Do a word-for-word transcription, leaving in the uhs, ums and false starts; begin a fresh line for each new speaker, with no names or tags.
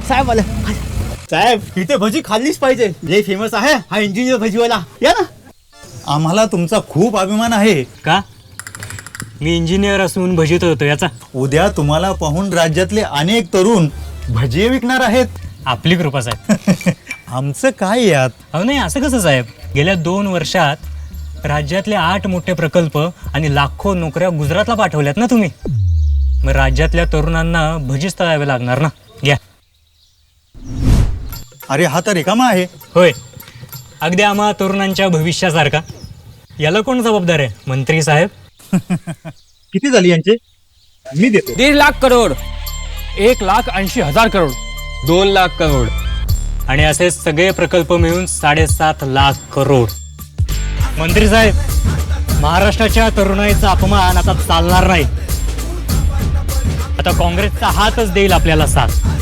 साहेब आलं. साहेब इथे भजी खाल्लीच पाहिजे, लय फेमस आहे हा इंजिनियर भजीवाला. या ना.
आम्हाला तुमचा खूप अभिमान आहे.
का? मी इंजिनियर असून भजीत होतो याचा?
उद्या तुम्हाला पाहून राज्यातले अनेक तरुण भजी विकणार आहेत.
आपली कृपा साहेब.
आमचं काय यात?
अहो नाही, असं कसं साहेब? गेल्या दोन वर्षात राज्यातले आठ मोठे प्रकल्प आणि लाखो नोकऱ्या गुजरातला पाठवल्यात ना तुम्ही. मग राज्यातल्या तरुणांना भजीच तळावे लागणार ना. घ्या.
अरे हा तर रिकामा आहे.
होय, अगदी आम्हा तरुणांच्या भविष्यासारखा. याला कोण जबाबदार आहे? मंत्री साहेब.
किती झाली यांचे? मी देतो.
दीड लाख करोड, एक लाख ऐंशी हजार करोड, दोन लाख करोड.
आणि असे सगळे प्रकल्प मिळून साडेसात लाख करोड. मंत्री साहेब, महाराष्ट्राच्या तरुणाईचा अपमान आता चालणार नाही. आता काँग्रेसचा हातच देईल आपल्याला साथ.